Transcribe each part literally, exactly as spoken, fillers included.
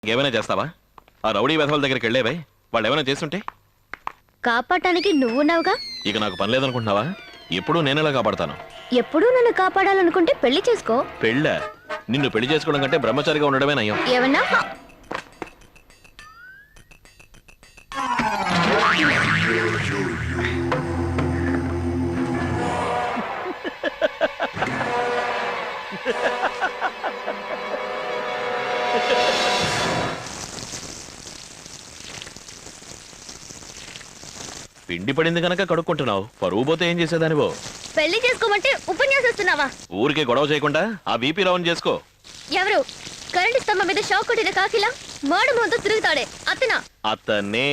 ఏమైనా చేస్తావా? ఆ రౌడీ వెధవల దగ్గరికి వెళ్ళేవే, వాళ్ళు ఏమైనా చేస్తుంటే కాపాడటానికి నువ్వున్నావుగా. ఇక నాకు పని లేదనుకుంటున్నావా? ఎప్పుడూ నేనేలా కాపాడతాను. ఎప్పుడూ నన్ను కాపాడాలనుకుంటే పెళ్లి చేసుకో. పెళ్ళ? నిన్ను పెళ్లి చేసుకోవడం కంటే బ్రహ్మచారిగా ఉండడమే నయం. ఏమన్నా? పిండి పడింది కనుక కడుక్కుంటున్నావు, పరువు పోతే ఏం చేసేదానివో. పెళ్లి చేసుకోమంటే ఉపన్యాసిస్తున్నావా? ఊరికే గొడవ చేయకుండా ఆ బీపీ రౌండ్ చేసుకో. ఎవరు? కరెంట్ స్తంభం మీద షాక్ కొట్టిన కాకిలా మాడు ముందు తిరుగుతాడే అతనా? అతనే.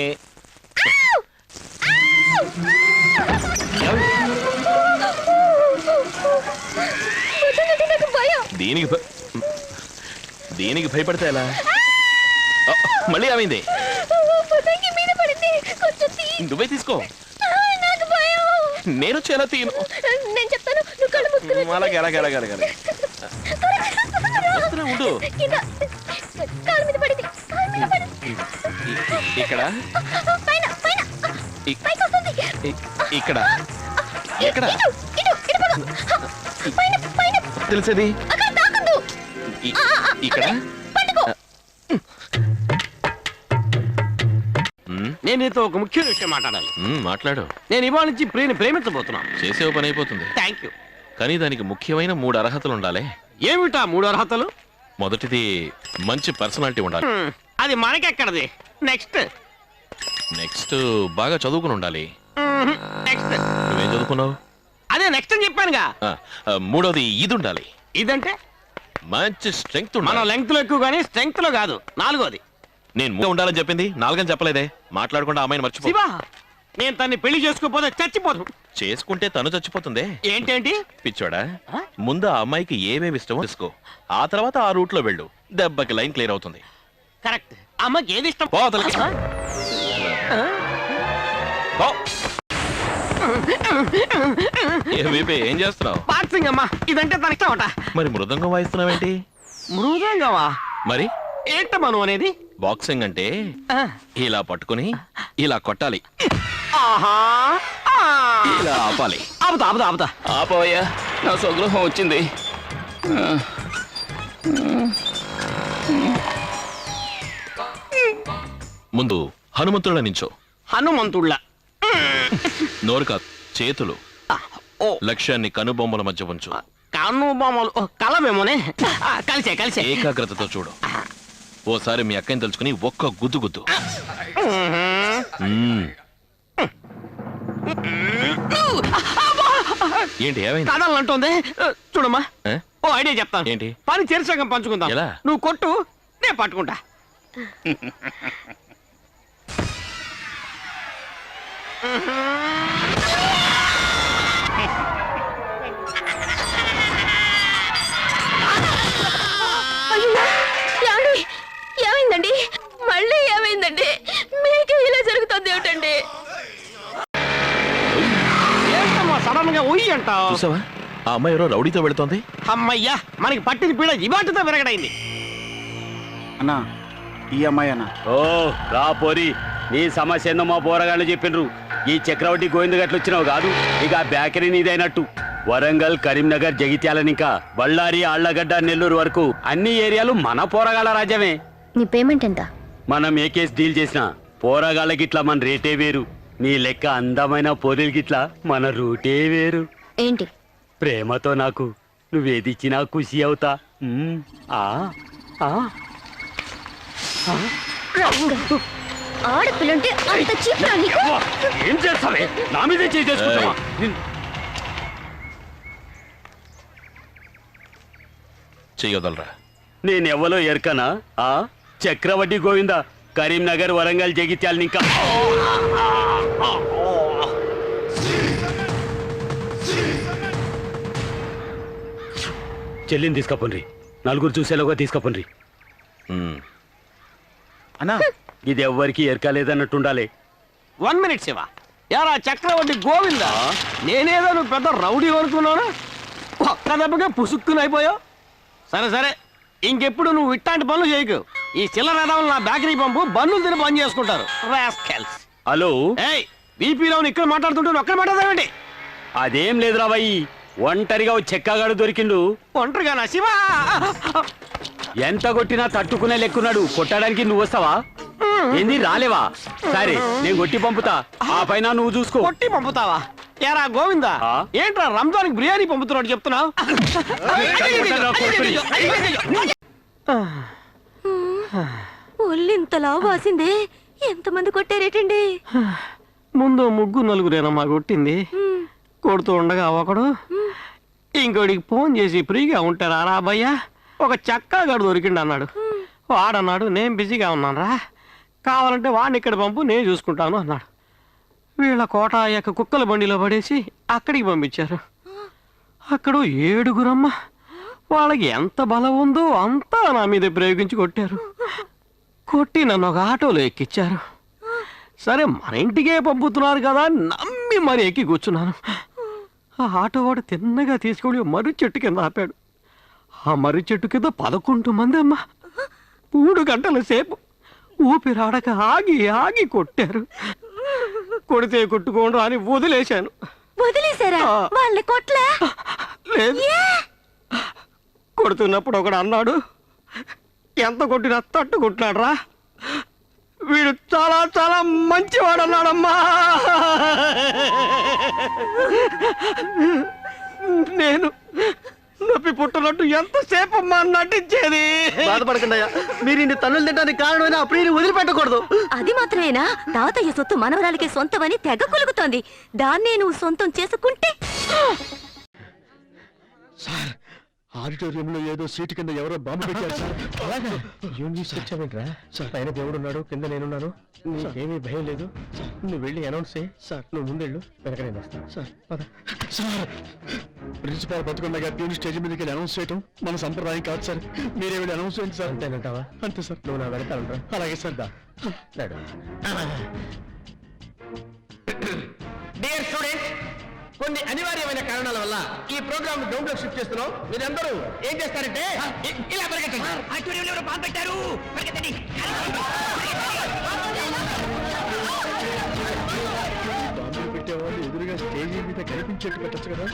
దీనికి భ- దీనికి భయపడితే ఎలా? ఆ, మళ్ళీ ఏమైంది? నువ్వే తీసుకో. నేను వచ్చి ఎలా తీను? నేను చెప్తాను, నువ్వు కళ్ళు మూసుకుని అలాగే అలాగే అలాగే అలాగే అలాగే. వస్తున్నా, ఉండు. కింద కాలు మీద పడింది, కాలు మీద పడింది. ఇ- ఇక్కడ పైన పైన ఇ- పైకి వస్తుంది. ఇ- ఇక్కడ ఎక్కడ ఇటు ఇటు ఇటు పద. పైన పైన తెలిసేది? అక్కడ తాకద్దు. ఇ- ఇక్కడ పట్టుకో. ఉమ్, నేను నీతో ఒక ముఖ్యమైన విషయం మాట్లాడాలి. ఉమ్, మాట్లాడు. నేను ఇవాళ నుంచి ప్రియని ప్రేమించబోతున్నాను. చేసే పని అయిపోతుంది, థ్యాంక్ యూ. కానీ దానికి ముఖ్యమైన మూడు అర్హతలు ఉండాలి. ఏమిటా మూడు అర్హతలు? మొదటిది మంచి పర్సనాలిటీ ఉండాలి. హ్మ్, అది మనకెక్కడది. నెక్స్ట్ నెక్స్ట్ బాగా చదువుకుని ఉండాలి. మ్మ్, నెక్స్ట్ నువ్వేం చదువుకున్నావు? అదే నెక్స్ట్ అని చెప్పానుగా. ఆ, ఆ, మూడోది ఇది ఉండాలి, ఇదంటే మంచి స్ట్రెంగ్త్ మనం ఉండాలి. లెంగ్త్ లో ఎక్కువ కానీ స్ట్రెంగ్త్ లో కాదు. నాలుగోది నేను మూడు ఉండాలని చెప్పింది, నాలుగని చెప్పలేదే. మాట్లాడకుండా అమ్మాయిని మర్చిపో. శివా, నేను తన్ని పెళ్లి చేసుకోపోతే చచ్చిపోదు. చేసుకుంటే తను చచ్చిపోతుంది. ఏంటేంటి పిచ్చోడా, ఆ? ముందు ఆ అమ్మాయికి ఏమేమి ఇష్టమో తెలుసుకో, ఆ తర్వాత ఆ రూట్ లో వెళ్ళు. దెబ్బకి లైన్ క్లియర్ అవుతుంది. కరెక్ట్. అమ్మకి ఏది ఇష్టం? పో అవతలకి. ఆ? పో. ఏ వీపీ, ఏం చేస్తున్నావు? బాక్సింగ్ అమ్మా, ఇదంటే తన ఇష్టం అట. మరి మృదంగం వాయిస్తున్నావేంటి? మృదంగమా? మరి ఏంటమ్మా నువ్వు అనేది? బాక్సింగ్ అంటే ఆ. ఇలా పట్టుకుని ఇలా కొట్టాలి, ఆహా ఆ. ఇలా ఆపాలి. ఆపుతా ఆపుతా ఆపుతా. ఆపోయా, నా స్వగృహం వచ్చింది. ముందు హనుమంతుళ్ళ నించో. హనుమంతుళ్ళ. నోరు కాదు, చేతులు. ఓ లక్ష్యాన్ని కనుబొమ్మల మధ్య ఉంచు. కన్ను బొమ్మలు ఓ, కలవేమోనే. ఆ, కలిసే కలిసే. ఏకాగ్రతతో చూడు. ఓసారి మీ అక్కని తెలుసుకుని ఒక్క గుద్దు గుద్దు. మ్మ్. ఏంటి ఏమైంది? కదలంటుంది. చూడమ్మా, ఏ? ఓ ఐడియా చెప్తాను. ఏంటి? పని చేర్చకం పంచుకుందాం. ఎలా? నువ్వు కొట్టు, నేను పట్టుకుంటా. అయ్యో, ఏమండి? ఏమైందండి? మళ్ళీ ఏమైందండి? మీకు ఇలా జరుగుతుంది ఏమిటండి? ఏంటమ్మా సడన్ గా ఉయ్యి అంటావు? చూసావా, ఆ అమ్మాయి ఎవరో రౌడీతో వెళుతోంది. అమ్మయ్యా, మనకి పట్టిన పీడ ఇవాటితో విరగడైంది. అన్నా ఈ అమ్మాయి అన్న. ఓ రా పోరి, నీ సమస్య ఏందో మా పోరగాళ్ళు చెప్పిండ్రు. ఈ చక్రవర్తి గోవింద గట్లు వచ్చినావు కాదు, ఇక ఆ బేకరీ నీదైనట్టు. వరంగల్, కరీంనగర్, జగిత్యాలని ఇంకా బళ్ళారి, ఆళ్లగడ్డ, నెల్లూరు వరకు అన్ని ఏరియాలు మన పోరగాళ్ళ రాజ్యమే. నీ పేమెంట్ ఎంత? మనం ఏ కేసు డీల్ చేసినా పోరగాళ్ళకి ఇట్లా మన రేటే వేరు. నీ లెక్క అందమైన పోరీలకి ఇట్లా మన రూటే వేరు. ఏంటి? ప్రేమతో నాకు నువ్వేదిచ్చినా ఖుషి అవుతా. ఉమ్, ఆ ఆ ఆడపిల్లంటే అంత చీప్రా నీకు? అవ్వ, ఏం చేస్తావే? నా మీదే చేసుకుంటావా? చెయ్యొదలరా. నేనెవ్వలో ఎరకనా? ఆ చక్రవడ్డీ గోవింద, కరీంనగర్, వరంగల్, జగిత్యాలని ఇంకా చెల్లిని తీసుకపోండ్రి, నలుగురు చూసేలోగా తీసుకపోండ్రి. మ్మ్. అన్నా ఇది ఎవ్వరికి ఎరకలేదన్నట్టుండాలి. One minute Shiva. యారా చక్రవర్తి గోవిందా, నేనేదో నువ్వు పెద్ద రౌడీ అనుకున్నాను. ఒక్క దెబ్బగా పుసుక్కుని అయిపోయావు. సరే సరే, ఇంకెప్పుడు నువ్వు ఇట్లాంటి పనులు చేయకు. ఈ చిల్లర ఎదవలు నా బేకరీ పంపు బన్నులు తిని బంద్ చేసుకుంటారు రాస్కెల్స్. హలో ఏయ్ బీపీలో ఇక్కడ మాట్లాడుతుంటే నువ్వు ఒక్కడ మాట్లాడదామండి. అదేం లేదురా బాయ్, ఒంటరిగా ఓ చెక్కగాడు దొరికిండు. ఒంటరిగా నా శివా. ఎంత కొట్టినా తట్టుకునే లెక్కున్నాడు. కొట్టడానికి నువ్వు వస్తావా? ఏంది రాలేవా? సరే నేను కొట్టి పంపుతా, ఆ పైన నువ్వు చూసుకో. కొట్టి పంపుతావా? ఏరా గోవిందా, ఆ? ఏంట్రా రంజాన్కి బిర్యానీ పంపుతున్నాడు చెప్తున్నావు? ఒళ్ళింతలా వాసిందే. ఎంతమంది కొట్టారేటండి? ముందు ముగ్గురు నలుగురేనమ్మా కొట్టింది. కొడుతూ ఉండగా ఒకడు ఇంకోడికి ఫోన్ చేసి ఫ్రీగా ఉంటారా రా భయ్యా, ఒక చక్కాగాడు దొరికిండు అన్నాడు. వాడన్నాడు నేను బిజీగా ఉన్నాను రా, కావాలంటే వాడిని ఇక్కడ పంపు నేను చూసుకుంటాను అన్నాడు. వీళ్ళ కోట యొక్క కుక్కల బండిలో పడేసి అక్కడికి పంపించారు. అక్కడ ఏడుగురమ్మ, వాళ్ళకి ఎంత బలం ఉందో అంతా నా మీద ప్రయోగించి కొట్టారు. కొట్టి నన్ను ఒక ఆటోలో ఎక్కిచ్చారు. సరే మన ఇంటికే పంపుతున్నారు కదా అని నమ్మి మరి ఎక్కి కూర్చున్నాను. ఆ ఆటో వాడు తిన్నగా తీసుకొని మర్రి చెట్టు కింద ఆపాడు. ఆ మర్రి చెట్టు కింద పదకొండు మంది అమ్మ మూడు గంటల సేపు ఊపిరాడక ఆగి ఆగి కొట్టారు. కొడితే కొట్టుకోండు అని వదిలేశాను. వదిలేశారా? వాళ్ళని కొట్లా? లేదు, కొడుతున్నప్పుడు ఒకడు అన్నాడు, ఎంత కొట్టినా తట్టుకుంటున్నాడు రా, వీడు చాలా చాలా మంచివాడు అన్నాడమ్మా. నేను నొప్పి పుట్టినట్టు ఎంతసేపు అమ్మా నటించేది. బాధపడకండి అయ్యా, మీరు ఇన్ని తన్నులు తినడానికి కారణమైన అప్పుడు నేను వదిలిపెట్టకూడదు. అది మాత్రమేనా? తాతయ్య సొత్తు మనవరాలకి సొంతమని తెగ కులుగుతోంది. దాన్నే నువ్వు సొంతం చేసుకుంటే ఆడిటోరియంలో ఏదో సీటు కింద ఎవరో బాంబు పెట్టారు సార్. అలాగే ఏం తీసుకొచ్చావేంట్రా? పైన దేవుడు ఉన్నాడు, కింద నేనున్నాను, నీకేమీ భయం లేదు. నువ్వు వెళ్ళి అనౌన్స్ చేయి సార్. నువ్వు ముందెళ్ళు, వెనక నేను వస్తాను సార్. పద సార్. ప్రిన్సిపాల్ బతుకుండగా ప్యూన్ స్టేజ్ మీదకి వెళ్ళి అనౌన్స్ చేయటం మన సంప్రదాయం కాదు సార్. మీరే వెళ్ళి అనౌన్స్ చేయండి సార్. అంతేనంటావా? అంతే సార్. నువ్వు నా వెనక ఉంటా. అలాగే సార్. దా డియర్ స్టూడెంట్స్, కొన్ని అనివార్యమైన కారణాల వల్ల ఈ ప్రోగ్రామ్ గ్రౌండ్ లో షిఫ్ట్ చేస్తున్నాం. మీరందరూ ఏం చేస్తారంటే ఇలా పరిగెట్టండి. బాంబులు పెట్టేవాళ్ళు ఎదురుగా స్టేజీ మీద కనిపించేట్టు పెట్టచ్చు కదా.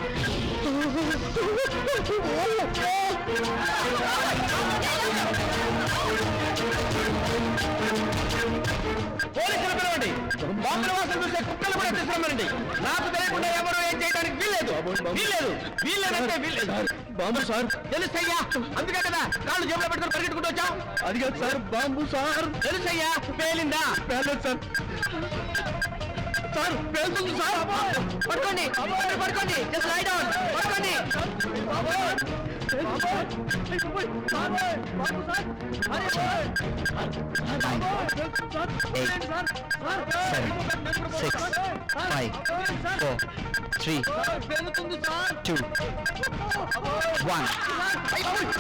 పోలీసులు పిలవండి. బాంబుల వాసన చూసే కుక్కలు కూడా తీసుకురమ్మనండి. నాకు తెలియకుండా ఎవరు ఏం చేయడానికి వీల్లేదు. వీల్లేదు వీల్లేదంటే వీల్లేదు. బాంబు సార్ తెలుసయ్యా, అందుకే కదా కాళ్ళు జేబులో పెట్టుకుని పరిగెట్టుకుంటూ వచ్చాం. అది కాదు సార్, బాంబు సార్. తెలుసయ్యా, పేలిందా? పేలేదు సార్. సార్ పేలుతుంది సార్. పడుకోండి పడుకోండి, జస్ట్ లై డౌన్, పడుకోండి. Six five four three two one